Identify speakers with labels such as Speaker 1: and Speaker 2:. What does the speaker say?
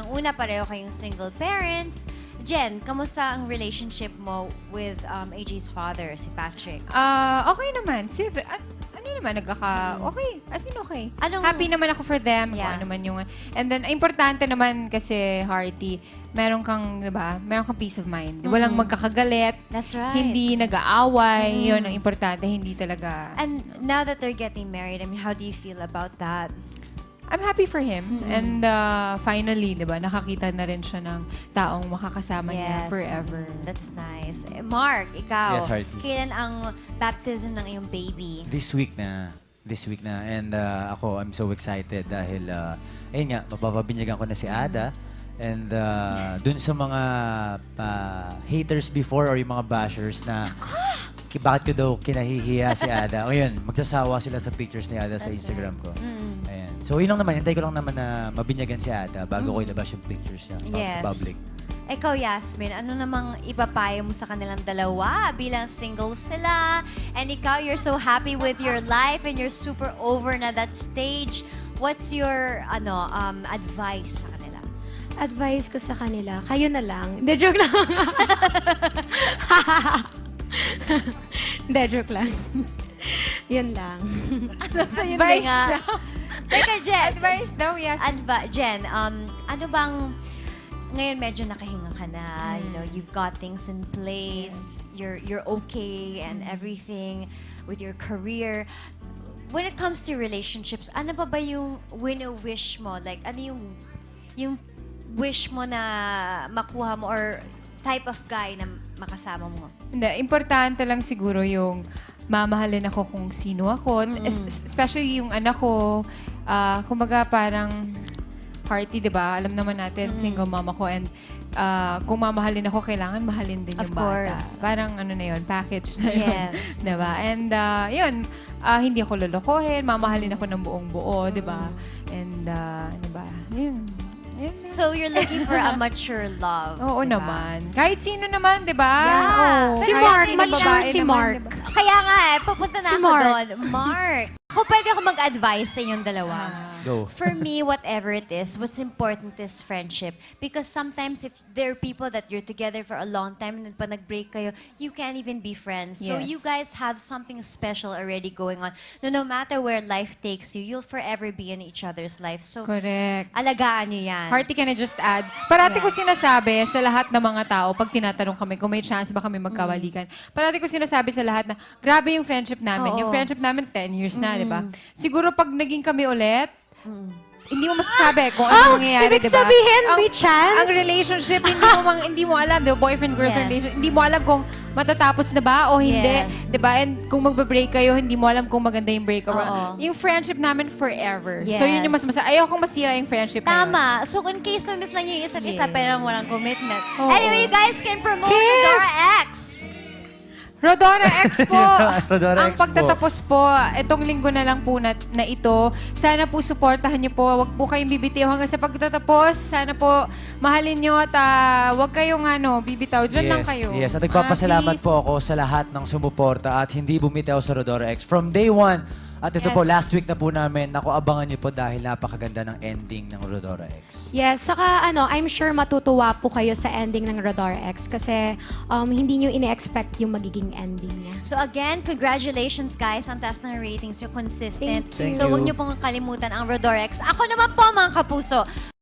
Speaker 1: unang-una, pareho kayong single parents. Jen, kamusta ang relationship mo with AJ's father, si Patrick?
Speaker 2: Okay naman. Ano naman, okay. As in, okay. Happy naman ako for them.
Speaker 1: Yeah.
Speaker 2: Kung ano man yung... And then, importante naman kasi, Hearty, meron kang, di ba, meron kang peace of mind. Walang magkakagalit.
Speaker 1: That's right.
Speaker 2: Hindi nag-aaway. Yun ang importante. Hindi talaga...
Speaker 1: And now that they're getting married, I mean, how do you feel about that?
Speaker 2: I'm happy for him. And finally, di ba, nakakita na rin siya ng taong makakasama niya forever.
Speaker 1: That's nice. Mark, ikaw,
Speaker 3: Yes, Hearty.
Speaker 1: kailan ang baptism ng iyong baby?
Speaker 3: This week na. And ako, I'm so excited dahil, ayun nga, mapapabinyagan ko na si Ada. And dun sa mga haters before or yung mga bashers na bakit ko daw kinahihiya si Ada. O yun, magsasawa sila sa pictures ni Ada sa Instagram ko. Ayan. So yun lang naman, hintay ko lang naman na mabinyagan si Ada bago ko ilabas yung pictures niya sa public.
Speaker 1: Ikaw, Yasmin, ano namang ipapayo mo sa kanilang dalawa bilang single sila? And ikaw, you're so happy with your life and you're super over na that stage. What's your advice sa kanila?
Speaker 4: Advice ko sa kanila, kayo na lang. Hindi, joke lang. Hindi, joke lang. Yun lang.
Speaker 1: So yun
Speaker 2: Advice
Speaker 1: nga. Teka, Jen.
Speaker 2: Advice daw, yes.
Speaker 1: Jen, ano bang, ngayon medyo nakahinga ka na, you know, you've got things in place, you're okay and everything with your career. When it comes to relationships, ano ba yung wino-wish mo? Like, ano yung wish mo na makuha mo or type of guy na makasama mo?
Speaker 2: Hindi, importante lang siguro yung mamahalin ako kung sino ako. Especially yung anak ko. Kumbaga parang Hearty, di ba? Alam naman natin, single mama ko. And kung mamahalin ako, kailangan mahalin din
Speaker 1: Of
Speaker 2: yung bata.
Speaker 1: course.
Speaker 2: Parang ano na yun, package na yun.
Speaker 1: Yes.
Speaker 2: Di ba? And yun, hindi ako lolokohin, mamahalin ako ng buong buo, di ba? And di ba? Yun. Yun.
Speaker 1: So you're looking for a mature love.
Speaker 2: Oo
Speaker 1: diba?
Speaker 2: naman. Kahit sino naman, di ba?
Speaker 1: Yeah.
Speaker 2: Oo.
Speaker 4: Si
Speaker 2: Kahit
Speaker 4: Mark,
Speaker 2: sinong
Speaker 4: mature
Speaker 2: babae
Speaker 4: si
Speaker 2: naman,
Speaker 4: Mark.
Speaker 2: di ba?
Speaker 1: Kaya nga papunta na
Speaker 4: Si
Speaker 1: ako
Speaker 4: Mark.
Speaker 1: doon. Mark, ako pwede ako mag-advise sa inyong dalawa.
Speaker 3: Go.
Speaker 1: For me, whatever it is, what's important is friendship. Because sometimes if there are people that you're together for a long time and then pag nag-break kayo, you can't even be friends. So
Speaker 2: Yes.
Speaker 1: you guys have something special already going on. No matter where life takes you, you'll forever be in each other's life. So,
Speaker 2: Correct.
Speaker 1: alagaan nyo yan.
Speaker 2: Hearty, can I just add? Parati ko sinasabi sa lahat ng mga tao, pag tinatanong kami kung may chance ba kami magkawalikan, parati ko sinasabi sa lahat na, grabe yung friendship namin.
Speaker 1: Oo.
Speaker 2: Yung friendship namin, 10 years na, di ba? Siguro pag naging kami ulit, hindi mo masasabi kung ano mangyayari,
Speaker 4: ibig
Speaker 2: di ba?
Speaker 4: sabihin, may chance?
Speaker 2: Ang relationship, hindi mo alam, di ba? Boyfriend-girlfriend
Speaker 1: Yes.
Speaker 2: relationship, hindi mo alam kung matatapos na ba o hindi.
Speaker 1: Yes.
Speaker 2: Di ba? And kung magbe-break kayo, hindi mo alam kung maganda yung break.
Speaker 1: Oo.
Speaker 2: Yung friendship namin forever. So yun yung
Speaker 1: Yes.
Speaker 2: ayokong masira yung friendship na yun.
Speaker 1: Tama. So, in case na miss lang yung isa't isa, pero walang commitment.
Speaker 2: Oo.
Speaker 1: Anyway, you guys can promote
Speaker 4: Kiss!
Speaker 1: Rodora X.
Speaker 2: Rodora Expo!
Speaker 3: Rodora
Speaker 2: Ang
Speaker 3: Expo.
Speaker 2: pagtatapos po, itong linggo na lang po na ito. Sana po supportahan niyo po. Huwag po kayong bibitiw hanggang sa pagtatapos. Sana po mahalin niyo at huwag kayong bibitaw. Diyan lang kayo.
Speaker 3: Yes, at nagpapasalamat
Speaker 2: Please.
Speaker 3: po ako sa lahat ng sumuporta at hindi bumitaw sa Rodora X. From day one, at ito po,
Speaker 1: Yes.
Speaker 3: last week na po namin, naku, abangan niyo po dahil napakaganda ng ending ng Rodora X.
Speaker 4: Yes, saka I'm sure matutuwa po kayo sa ending ng Radar X kasi hindi nyo ine-expect yung magiging ending niya.
Speaker 1: So again, congratulations guys. Ang taas ng ratings. You're consistent.
Speaker 4: Thank you.
Speaker 1: So huwag niyo pong kalimutan ang Rodora X. Ako naman po mga kapuso.